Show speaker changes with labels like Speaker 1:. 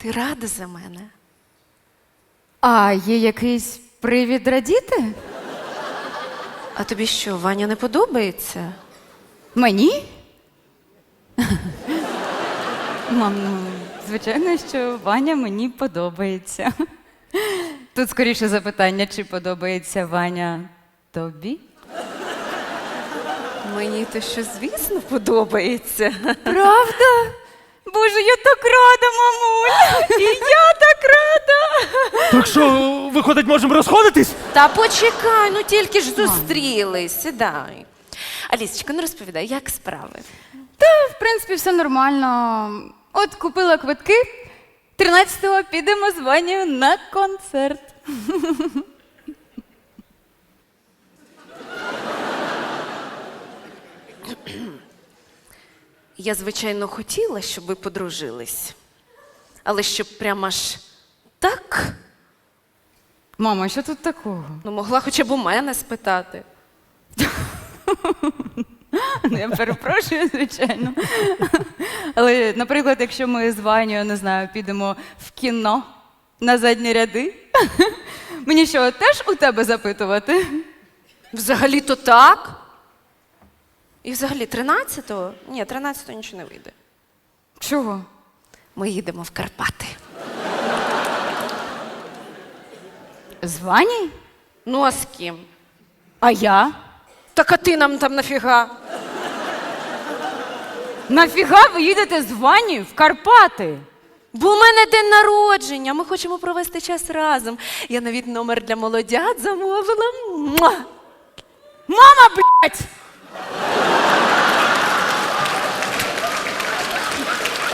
Speaker 1: Ти рада за мене?
Speaker 2: А є якийсь привід радіти?
Speaker 1: А тобі що, Ваня не подобається?
Speaker 2: Мені? Мам, ну, звичайно, що Ваня мені подобається. Тут скоріше запитання, чи подобається Ваня тобі?
Speaker 1: Мені то що, звісно, подобається.
Speaker 2: Правда? Боже, я так рада, мамуль!
Speaker 1: І я так рада!
Speaker 3: Так що, виходить, можемо розходитись?
Speaker 1: Та почекай, ну тільки ж зустрілись, сідай. Алісечка, ну розповідай, як справи?
Speaker 2: Та, в принципі, все нормально. От купила квитки. 13-го підемо з Ванею на концерт.
Speaker 1: Я, звичайно, хотіла, щоб ви подружились. Але щоб прямо аж так,
Speaker 2: Мама, що тут такого?
Speaker 1: ну могла хоча б у мене спитати.
Speaker 2: Ну, я перепрошую, звичайно. Але, наприклад, якщо ми з Ванею, не знаю, підемо в кіно на задні ряди, мені що, теж у тебе запитувати?
Speaker 1: Взагалі-то так. І взагалі 13-го? Ні, 13-го нічого не вийде.
Speaker 2: Чого?
Speaker 1: Ми їдемо в Карпати.
Speaker 2: З Ванею?
Speaker 1: Ну, а з ким?
Speaker 2: А я?
Speaker 1: Так а ти нам там нафіга?
Speaker 2: Нафіга ви їдете з Ванею в Карпати?
Speaker 1: Бо у мене день народження, ми хочемо провести час разом. Я навіть номер для молодят замовила. Муа!
Speaker 2: Мама, блядь!